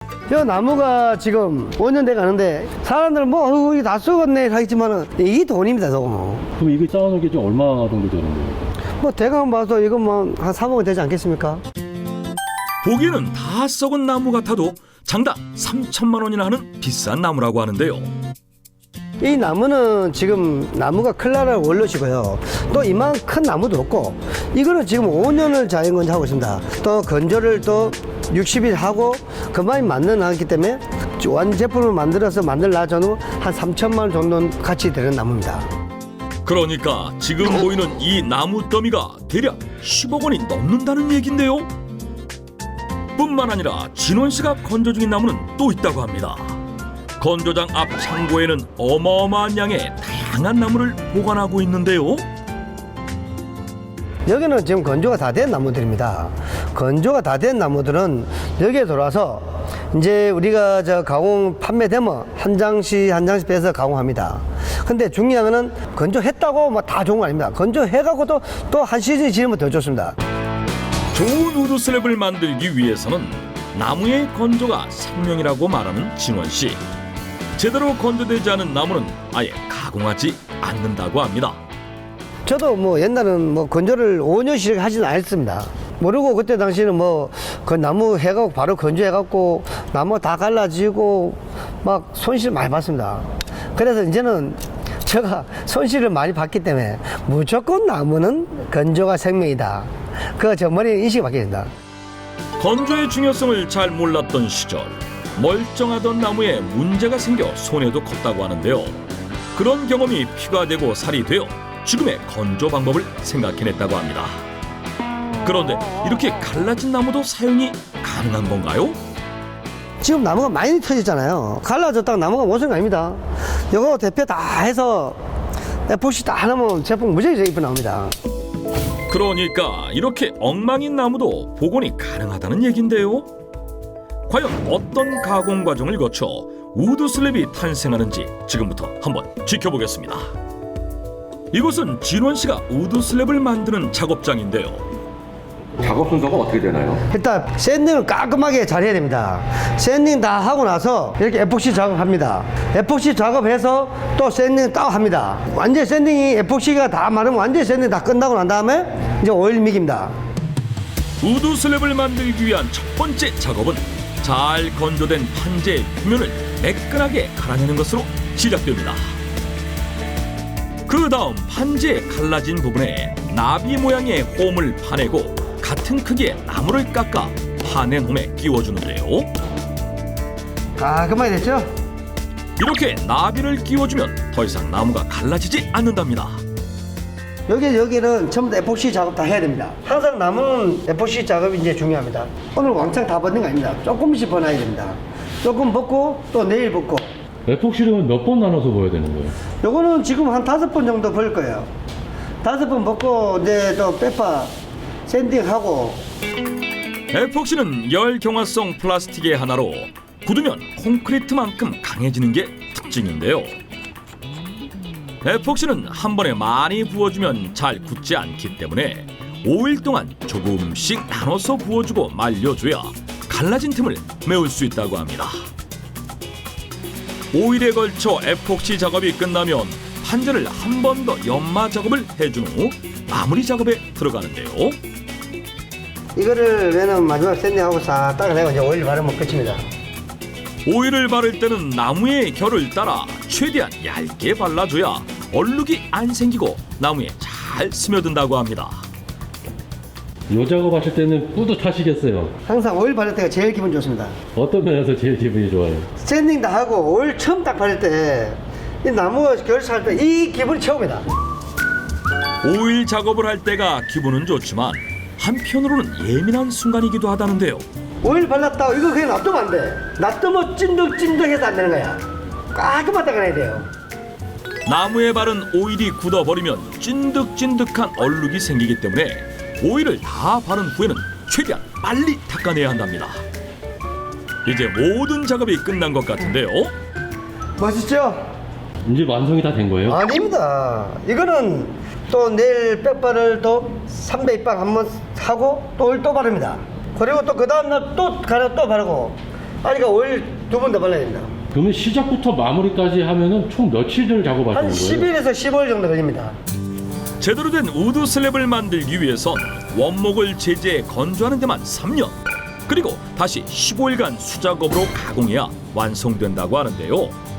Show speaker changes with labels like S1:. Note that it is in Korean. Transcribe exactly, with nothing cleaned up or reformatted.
S1: 저 나무가 지금 오 년 돼 가는데 사람들은 뭐 어우 이게 다 썩었네 하겠지만은 이 돈입니다 저거.
S2: 그럼 이거 쌓아놓은 게 좀 얼마 정도 되는 거예요?
S1: 뭐 대강 봐서 이건 뭐 한 삼억은 되지 않겠습니까?
S3: 보기에는 다 썩은 나무 같아도 장당 삼천만 원이나 하는 비싼 나무라고 하는데요.
S1: 이 나무는 지금 나무가 클라라 원로시고요. 또 이만 큰 나무도 없고 이거는 지금 오 년을 자연건조 하고 있습니다. 또 건조를 또 육십 일 하고 그만이 만든 나기 때문에 완 제품을 만들어서 만들라 저는 한 삼천만 원 정도 가치 되는 나무입니다.
S3: 그러니까 지금 보이는 이 나무 더미가 대략 십억 원이 넘는다는 얘긴데요. 뿐만 아니라 진원 씨가 건조 중인 나무는 또 있다고 합니다. 건조장 앞 창고에는 어마어마한 양의 다양한 나무를 보관하고 있는데요.
S1: 여기는 지금 건조가 다 된 나무들입니다. 건조가 다 된 나무들은 여기에 들어와서 이제 우리가 저 가공 판매되면 한 장씩 한 장씩 빼서 가공합니다. 근데 중요한 거는 건조했다고 뭐 다 좋은 거 아닙니다. 건조해갖고도 또 한 시즌 지르면 더 좋습니다.
S3: 좋은 우드 슬랩을 만들기 위해서는 나무의 건조가 생명이라고 말하는 진원 씨. 제대로 건조되지 않은 나무는 아예 가공하지 않는다고 합니다.
S1: 저도 뭐 옛날은 뭐 건조를 오 년씩 하지는 않았습니다. 모르고 그때 당시에는 뭐 그 나무 해갖고 바로 건조해갖고 나무 다 갈라지고 막 손실 많이 봤습니다. 그래서 이제는 제가 손실을 많이 봤기 때문에 무조건 나무는 건조가 생명이다. 그 저 머리에 인식이 바뀌었습니다.
S3: 건조의 중요성을 잘 몰랐던 시절 멀쩡하던 나무에 문제가 생겨 손해도 컸다고 하는데요. 그런 경험이 피가 되고 살이 되어 지금의 건조 방법을 생각해냈다고 합니다. 그런데 이렇게 갈라진 나무도 사용이 가능한 건가요?
S1: 지금 나무가 많이 터졌잖아요. 갈라졌다가 나무가 원성이 아닙니다. 이거 대표 다 해서 에포시 다 하면 제품 무지하게 이쁘게 나옵니다.
S3: 그러니까 이렇게 엉망인 나무도 복원이 가능하다는 얘긴데요. 과연 어떤 가공 과정을 거쳐 우드 슬랩이 탄생하는지 지금부터 한번 지켜보겠습니다. 이곳은 진원 씨가 우드 슬랩을 만드는 작업장인데요.
S2: 작업 순서가 어떻게 되나요?
S1: 일단 샌딩을 깔끔하게 잘 해야 됩니다. 샌딩 다 하고 나서 이렇게 에폭시 작업합니다. 에폭시 작업해서 또 샌딩 딱 합니다. 완전 샌딩이 에폭시가 다 마르면 완전 샌딩 다 끝나고 난 다음에 이제 오일 믹입니다.
S3: 우드 슬랩을 만들기 위한 첫 번째 작업은 잘 건조된 판재의 표면을 매끈하게 갈아내는 것으로 시작됩니다. 그 다음 판재의 갈라진 부분에 나비 모양의 홈을 파내고 같은 크기의 나무를 깎아 파낸 홈에 끼워주는데요.
S1: 깔끔하게 됐죠?
S3: 이렇게 나비를 끼워주면 더 이상 나무가 갈라지지 않는답니다.
S1: 여기, 여기는 전부 다 에폭시 작업 다 해야 됩니다. 항상 남은 에폭시 작업이 이제 중요합니다. 오늘 왕창 다 벗는 거 아닙니다. 조금씩 벗어야 됩니다. 조금 벗고 또 내일 벗고.
S2: 에폭시를 몇 번 나눠서 보여야 되는 거예요?
S1: 요거는 지금 한 다섯 번 정도 벌 거예요. 다섯 번 벗고 이제 또 빼파 샌딩하고.
S3: 에폭시는 열 경화성 플라스틱의 하나로 굳으면 콘크리트만큼 강해지는 게 특징인데요. 에폭시는 한 번에 많이 부어주면 잘 굳지 않기 때문에 오 일 동안 조금씩 나눠서 부어주고 말려줘야 갈라진 틈을 메울 수 있다고 합니다. 오 일에 걸쳐 에폭시 작업이 끝나면 판재를 한 번 더 연마 작업을 해준 후 마무리 작업에 들어가는데요.
S1: 이거를 얘는 마지막 샌딩하고 싹 닦아내고 이제 오일 바르면 끝입니다.
S3: 오일을 바를 때는 나무의 결을 따라 최대한 얇게 발라줘야 얼룩이 안 생기고 나무에 잘 스며든다고 합니다.
S2: 요 작업하실 때는 뿌듯하시겠어요?
S1: 항상 오일 바를 때가 제일 기분 좋습니다.
S2: 어떤 면에서 제일 기분이 좋아요?
S1: 샌딩 다 하고 오일 처음 딱 바를 때 이 나무가 결사할 때 이 기분이 최고입니다.
S3: 오일 작업을 할 때가 기분은 좋지만 한편으로는 예민한 순간이기도 하다는데요.
S1: 오일 발랐다고 이거 그냥 놔두면 안 돼. 놔두면 찐득찐득해서 안 되는 거야. 깔끔하게 닦아내야 돼요.
S3: 나무에 바른 오일이 굳어버리면 찐득찐득한 얼룩이 생기기 때문에 오일을 다 바른 후에는 최대한 빨리 닦아내야 한답니다. 이제 모든 작업이 끝난 것 같은데요.
S1: 멋있죠?
S2: 이제 완성이 다 된 거예요?
S1: 아닙니다. 이거는 또 내일 백발을 또 삼백 입방 한번 하고 또 오일 또 바릅니다. 그리고 또 그 다음날 또 가려 또 바르고 아니까 오일 두 번 더 발라야 됩니다.
S2: 그러면 시작부터 마무리까지 하면은 총 며칠을 작업하시는
S1: 한
S2: 거예요?
S1: 십 일에서 십오 일 정도 걸립니다.
S3: 제대로 된 우드 슬랩을 만들기 위해선 원목을 제재해 건조하는 데만 삼 년, 그리고 다시 십오 일간 수작업으로 가공해야 완성된다고 하는데요.